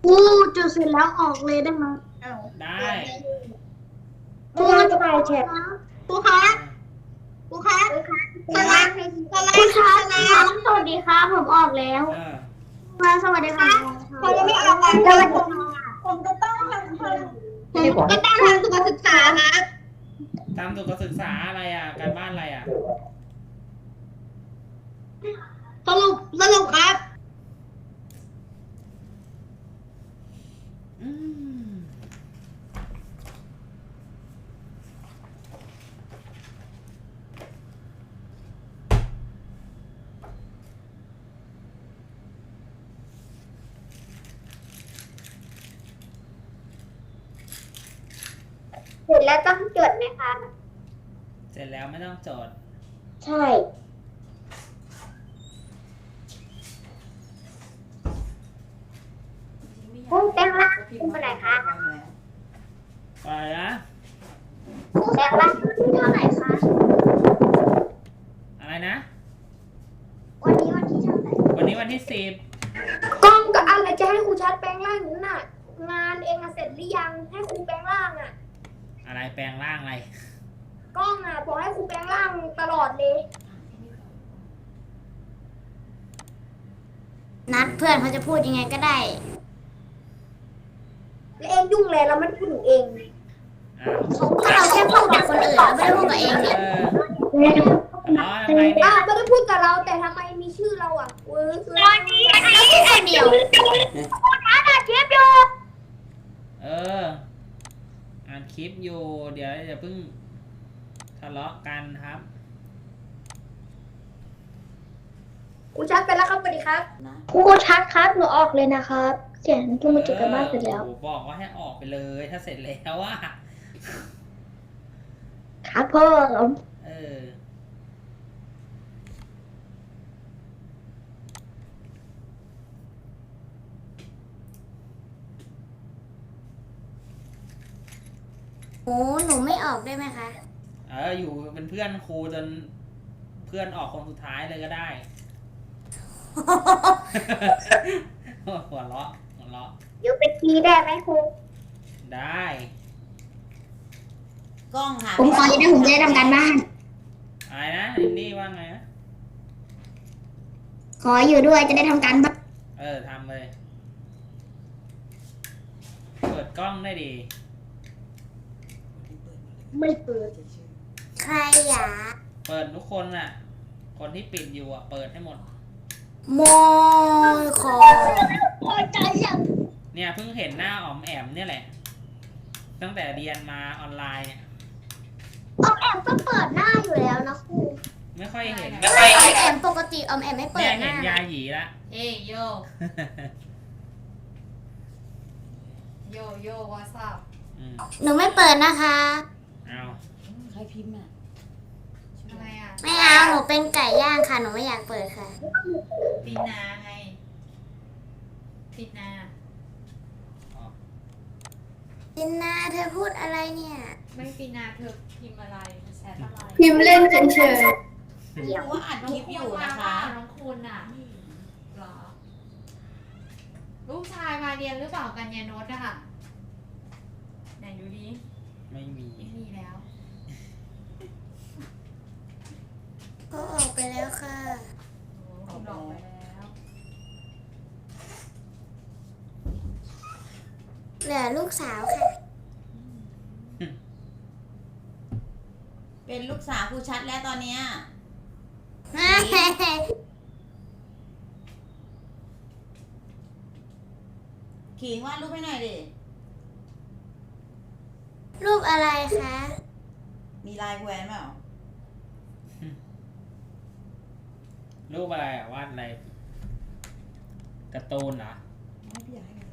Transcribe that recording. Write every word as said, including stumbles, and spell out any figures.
กูจุดเสร็จแล้วออกเลยได้ไหมได้ครูจะไปแชทครูคะครูคะสไลด์ครูคะสวัสดีครับผมออกแล้วเออมาสวัสดีค่ะเขายังไม่ออกกันเลยผมจะต้องทำผมก็ต้องทำสุขศึกษาครับทำสุขศึกษาอะไรอ่ะ การบ้านอะไรอ่ะสรุปสรุปครับอืมเสร็จแล้วต้องจดไหมคะเสร็จแล้วไม่ต้องจดใช่คุณแปลงร่างคุณเท่าไหร่คะอะไรนะคุณแปลงร่างคุณเท่าไหร่คะอะไรนะวันนี้วันที่เท่าไหร่วันนี้วันที่สิบกล้องกับอะไรจะให้ครูชัดแปลงร่างอยู่น่ะ งานเองอะเสร็จหรือยังให้ครูแปลงร่างอะอะไรแปลงร่างอะไรกล้องอะบอกให้ครูแปลงร่างตลอดเลยนัดเพื่อนเขาจะพูดยังไงก็ได้แล้วเองยุ่งเลยเราไม่ได้พูดถึงเองอ้าวก็เราแค่พูดกับคนอื่นเราไม่ได้พูดกับเองเอเนี่ยออ๋อทำไมเนี่ยอ้าวไม่ได้พูดกับเราแต่ทำไมมีชื่อเราอ่ะเออคือวันนี้เราพูดคนเดียวอาดาเทียบอยู่เอออ่านคลิปอยู่ เดี๋ยวอย่าเพิ่งทะเลาะกันครับครูชัดไปแล้วครับสวัสดีครับครูชัดครับหนูออกเลยนะครับเขียนจุ่มจุดกันบ้านเสร็จแล้วโอ้โหบอกว่าให้ออกไปเลย ถ้าเสร็จแล้วว่าครับพ่อเออโอ้หนูไม่ออกได้ไหมคะเออ อยู่เป็นเพื่อนครูจนเพื่อนออกคนสุดท้ายเลยก็ได้ หัวเราะหัวเราะเดี๋ยวไปทีได้ไหมครูได้กล้องค่ะผมขอจะได้ผมจะได้ทำการบ้านอะไรนะลินนี่ว่าไงนะขออยู่ด้วยจะได้ทำการบ้านเออทำเลย เปิดกล้องได้ดีไม่เปิดใครอยากเปิดทุกคนน่ะ คนที่ปิดอยู่อ่ะ เปิดให้หมดโมคอพอใจยังเนี่ยเพิ่งเห็นหน้าอ๋อมแอมเนี่ยแหละ ตั้งแต่เรียนมาออนไลน์เนี่ยออกแอบก็เปิดหน้าอยู่แล้วนะครูไม่ค่อยเห็นออมแอมปกติออมแอมไม่เปิเนี่ดยหเห็น้านยาหยีละเอ้ยโย โยโย่วอทซับอืมหนูไม่เปิดนะคะเอาใครพิมพ์อ่ะทำไมอ่ะไม่เอาหนูเป็นไก่ย่างค่ะหนูไม่อยากเปิดค่ะปิดนาไงปิดนาจินนาเธอพูดอะไรเนี่ยไม่ปิดนาเธอพิมพ์อะไรแชทอะไรพิมพ์เล่นเฉยครูว่าอัดคลิปอยู่นะคะน้องคุณอ่ะเหรอ ลูกชายมาเรียนหรือเปล่ากันยานนท์อะค่ะไหนดูดิไม่มีไม่มีแล้วก็ออกไปแล้วค่ะโอ้คุณออกไปแล้วเหลือลูกสาวค่ะเป็นลูกสาวครูชัดแล้วตอนเนี้ยขิงวาดรูปให้หน่อยดิรูปอะไรคะมีลายแหวนเปล่ารูปอะไรอ่ะวาดอะไรการ์ตูนเหรอไม่พี่อยากให้